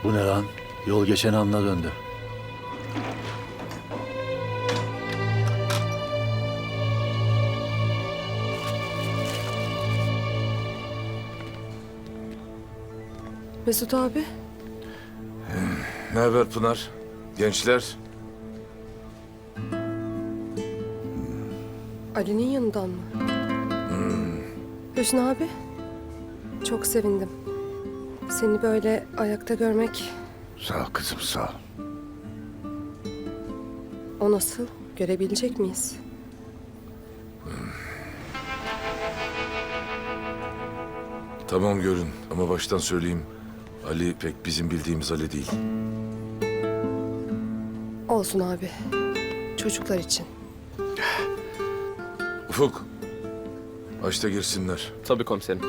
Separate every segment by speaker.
Speaker 1: Bu ne lan? Yol geçen anına döndü.
Speaker 2: Mesut abi.
Speaker 3: Ne haber Pınar? Gençler?
Speaker 2: Ali'nin yanından mı? Hüsnü abi. Çok sevindim. Seni böyle ayakta görmek,
Speaker 4: Sağ ol kızım, sağ ol.
Speaker 2: o nasıl? Görebilecek miyiz?
Speaker 3: Tamam görün ama baştan söyleyeyim. Ali pek bizim bildiğimiz Ali değil.
Speaker 2: Olsun abi. Çocuklar için.
Speaker 3: Ufuk. Aç da girsinler.
Speaker 5: Tabii komiserim.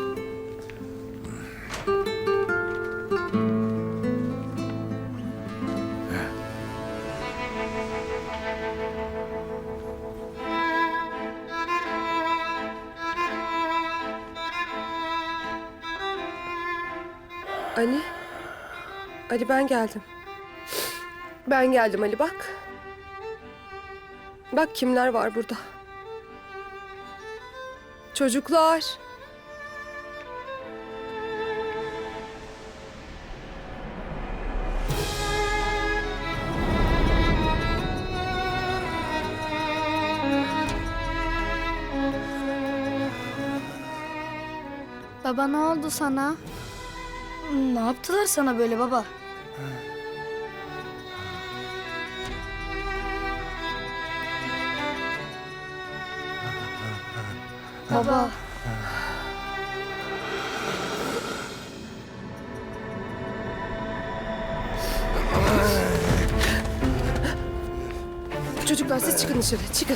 Speaker 2: Ali. Ali ben geldim. Ben geldim Ali bak. Bak kimler var burada. Çocuklar.
Speaker 6: Baba ne oldu sana? Ne yaptılar sana böyle baba? Baba.
Speaker 2: Çocuklar siz çıkın dışarı. Çıkın.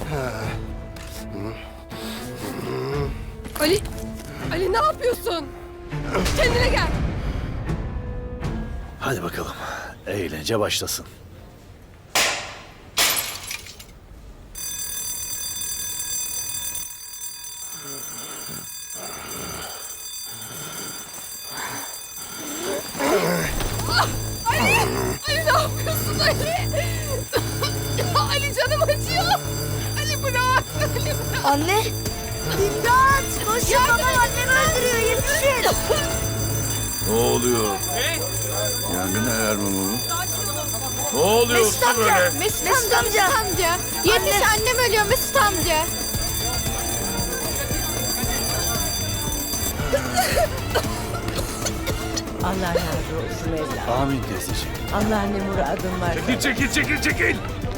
Speaker 2: Ali. Ali ne yapıyorsun? Kendine gel.
Speaker 1: Hadi bakalım. Eğlence başlasın.
Speaker 2: Ali ne yapıyorsun Ali? Ali canım acıyor. Ali bırak. Ali bırak.
Speaker 6: Anne. İmdat! Koşun babam annemi öldürüyor yetişin.
Speaker 3: Ne oluyor?
Speaker 4: Yangın alarmı mı bu?
Speaker 3: Ne oluyor usta böyle?
Speaker 6: Mesut amca. Yetiş annem ölüyor Mesut amca.
Speaker 7: Allah razı olsun evladım.
Speaker 1: Amin teyzeciğim.
Speaker 7: Allah ne muradın var.
Speaker 3: Çekil.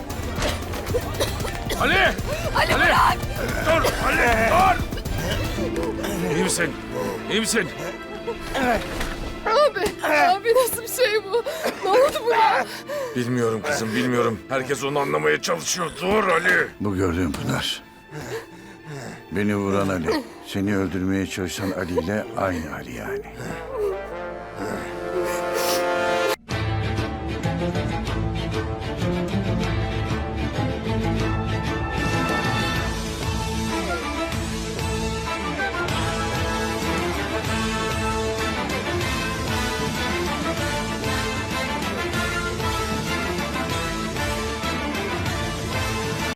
Speaker 3: Ali!
Speaker 2: Ali bırak.
Speaker 3: Dur Ali dur! İyi misin?
Speaker 2: Abi nasıl bir şey bu? Ne oldu buna?
Speaker 3: Bilmiyorum kızım bilmiyorum. Herkes onu anlamaya çalışıyor. Dur Ali!
Speaker 4: Bu gördüğün Pınar. Beni vuran Ali. Seni öldürmeye çalışan Ali ile aynı Ali yani.